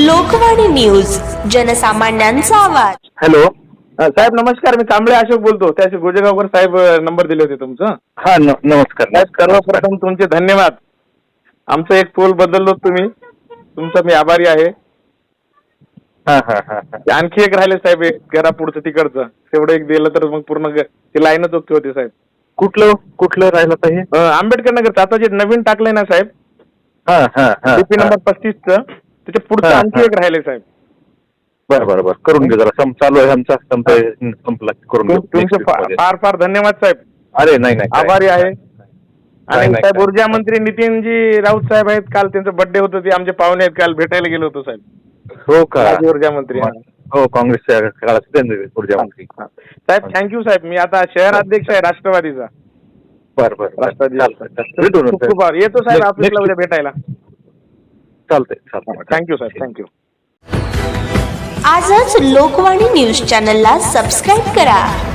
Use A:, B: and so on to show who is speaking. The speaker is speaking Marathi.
A: लोकवाणी न्यूज, जनसामान्यांचा आवाज.
B: हॅलो साहेब, नमस्कार. मी कांबळे अशोक बोलतो. त्याचे गोजेगावकर साहेब नंबर दिले होते तुमचं.
C: हा नमस्कार
B: साहेब, सर्वप्रथम तुमचे धन्यवाद. आमचं एक पोल बदललो तुम्ही, तुमचा मी आभारी आहे.
C: हा हा हा
B: आणखी एक राहिले साहेब, एक घरा पुढचं तिकडचं, तेवढं एक दिलं तर मग पूर्ण ती लाईनच ओके होती साहेब.
C: कुठलं राहिलं पाहिजे?
B: आंबेडकर नगर आता जे नवीन टाकलंय ना साहेब,
C: हा हा हा
B: डीपी नंबर 35चं, त्याच्या पुढचं आणखी एक राहिले साहेब.
C: बरं करून घे जरा. चालू आहे आमचा संपला करून घेऊ.
B: तुमचे फार फार धन्यवाद साहेब.
C: अरे नाही
B: आभारी आहे. आणि साहेब, ऊर्जा मंत्री नितीनजी राऊत साहेब आहेत. काल त्यांचं बर्थडे होतं, ते आमचे पाहुणे आहेत. काल भेटायला गेलो होतो साहेब.
C: हो का?
B: ऊर्जा मंत्री.
C: हो, काँग्रेसच्या काळात ऊर्जा मंत्री
B: साहेब. थँक्यू साहेब. मी आता शहर अध्यक्ष आहे राष्ट्रवादीचा.
C: बरं
B: राष्ट्रवादी खूप येतो साहेब ऑफिसला उद्या भेटायला.
C: चालतंय.
B: थँक्यू साहेब. थँक्यू.
A: आजच लोकवाणी न्यूज चॅनलला सबस्क्राईब करा.